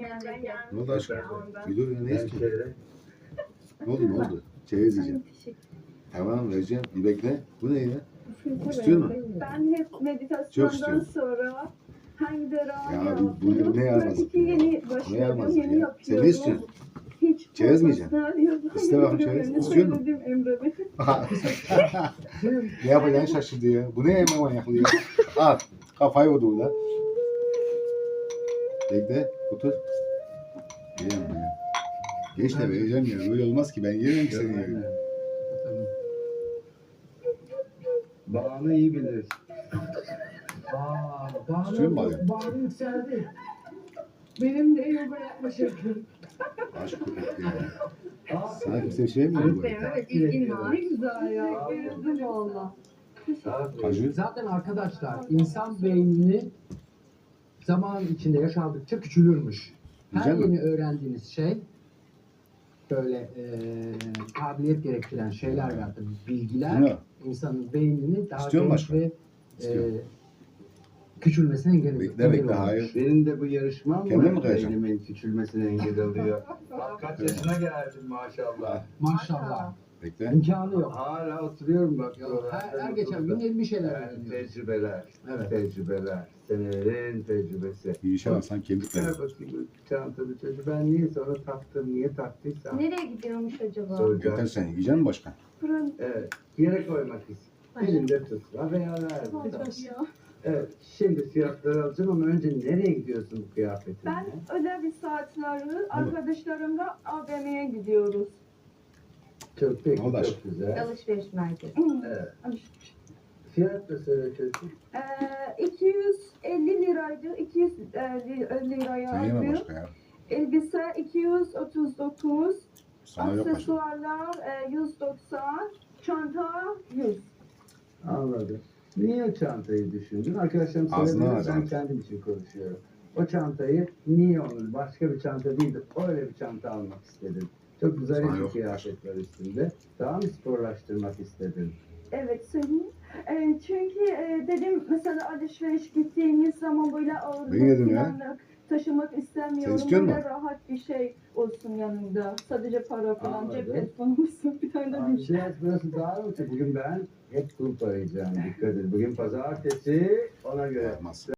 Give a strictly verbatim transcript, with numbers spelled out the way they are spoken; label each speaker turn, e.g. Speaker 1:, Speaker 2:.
Speaker 1: Ne oldu aşkım? Gidiyor ya, ne istiyorsun? Ne oldu, ne oldu? Çerez yiyeceğim. Tamam vereceğim. Bir bekle. Bu ne ya? İstiyor musun?
Speaker 2: Ben hep
Speaker 1: Çok
Speaker 2: meditasyondan
Speaker 1: istiyorum.
Speaker 2: sonra hangi derağı
Speaker 1: Ya bu, bu ne yaramazlık
Speaker 2: iki
Speaker 1: ya?
Speaker 2: yeni
Speaker 1: Ne
Speaker 2: başladım,
Speaker 1: yaramazlık
Speaker 2: yeni
Speaker 1: ya?
Speaker 2: yapıyorum.
Speaker 1: Sen ne istiyorsun?
Speaker 2: Hiç
Speaker 1: Çerez mi yiyeceksin?
Speaker 2: profesyonel
Speaker 1: İste bakalım çerez.
Speaker 2: yapamıyorum.
Speaker 1: İstiyor musun?
Speaker 2: Söyledim Emre Bey.
Speaker 1: Ne yapacağını şaşırdı ya. Bu ne yeme manyaklığı ya? Al. Kafayı vurdu burada. Bekle. Otur. Yiyemem ya. Geç de vereceğim ya. Böyle olmaz ki. Ben yiyemem ki seni ya.
Speaker 3: Bağını iyi bilir. Aa,
Speaker 1: İstiyor musun
Speaker 3: bağını,
Speaker 1: abi?
Speaker 3: bağını yükseldi. Benim de yoga yapma şeklim.
Speaker 1: Aşk köpek ya.
Speaker 3: Aa,
Speaker 1: Sana kimse bir şey mi diyor bu arada?
Speaker 2: Evet, ilgin var. Ne güzel ya. Bayıldım valla.
Speaker 1: Kaju.
Speaker 3: Zaten arkadaşlar insan beynini zaman içinde yaşadıkça küçülürmüş. Her
Speaker 1: Güzel mi?
Speaker 3: yeni öğrendiğiniz şey böyle e, kabiliyet gerektiren şeyler veya da bilgiler
Speaker 1: Ne?
Speaker 3: insanın beynini daha
Speaker 1: İstiyor musun
Speaker 3: genç ve e,
Speaker 1: İstiyor.
Speaker 3: küçülmesine engel
Speaker 1: Bekle,
Speaker 3: engel
Speaker 1: bekle,
Speaker 3: oluyor.
Speaker 1: hayır.
Speaker 4: Benim de bu yarışmam
Speaker 1: Kendin mi
Speaker 4: mı
Speaker 1: kayacaksın?
Speaker 4: beynimin küçülmesine engel oluyor. Bak kaç yaşına geldim maşallah.
Speaker 3: Maşallah.
Speaker 1: Bekle.
Speaker 3: İmkanı yok.
Speaker 4: Hala oturuyorum bak.
Speaker 3: Ya,
Speaker 4: oralarda
Speaker 3: her, her
Speaker 4: mutlulukla.
Speaker 3: geçen gün yeni bir şeyler
Speaker 4: Evet,
Speaker 3: öğreniyoruz.
Speaker 4: tecrübeler,
Speaker 3: Evet.
Speaker 4: tecrübeler, senelerin tecrübesi.
Speaker 1: Bir işe alsan kemik
Speaker 4: Ver
Speaker 1: ver.
Speaker 4: bakayım çantalı çocuğu. Ben niye sonra taktım, niye taktıysam
Speaker 2: Nereye gidiyormuş acaba?
Speaker 4: soracağım.
Speaker 1: Yeter sen. Yiyecek misin başkan?
Speaker 2: Fırın.
Speaker 4: Evet, yere koymak istiyorum. Elinde tut. Veya ver.
Speaker 2: Ya.
Speaker 4: Evet, şimdi fiyatları alacağım ama önce nereye gidiyorsun bu kıyafetinle?
Speaker 2: Ben özel bir saatleri arkadaşlarımla A V M'ye gidiyoruz.
Speaker 4: Çok peki,
Speaker 1: Ne oldu
Speaker 4: çok
Speaker 1: aşkım?
Speaker 4: güzel.
Speaker 5: Alışveriş merkezi.
Speaker 4: Evet. Fiyat da söyle çocuğum.
Speaker 2: Ee, iki yüz elli liraydı. iki yüz liraya
Speaker 1: Sen yeme
Speaker 2: aldım.
Speaker 1: başka ya.
Speaker 2: Elbise iki yüz otuz dokuz.
Speaker 1: Sana yok başka.
Speaker 2: Aksesuarlar e, yüz doksan. Çanta yüz.
Speaker 4: Anladım. Niye o çantayı düşündün? Arkadaşlarım
Speaker 1: Ağzına
Speaker 4: söylediler,
Speaker 1: alacağım.
Speaker 4: ben kendim için konuşuyorum. O çantayı niye onun başka bir çanta değil de öyle bir çanta almak istedim. Çok güzel
Speaker 1: Sana
Speaker 4: bir
Speaker 1: yok.
Speaker 4: kıyafet var üstünde. Daha mı sporlaştırmak istedim?
Speaker 2: Evet söyleyeyim. E, çünkü e, dedim mesela alışveriş gittiğimiz zaman böyle ağır
Speaker 1: Ben yedim ya.
Speaker 2: falan taşımak istemiyorum.
Speaker 1: Sen istiyor
Speaker 2: Böyle
Speaker 1: musun?
Speaker 2: rahat bir şey olsun yanında. Sadece para falan,
Speaker 4: Anladım.
Speaker 2: cep telefonu olsun. Bir tane de
Speaker 4: Abi,
Speaker 2: bir şey.
Speaker 4: biraz burası daha mı? Bugün ben hep kulüp arayacağım. Dikkat et. Bugün pazartesi ona göre.
Speaker 1: Yapmaz.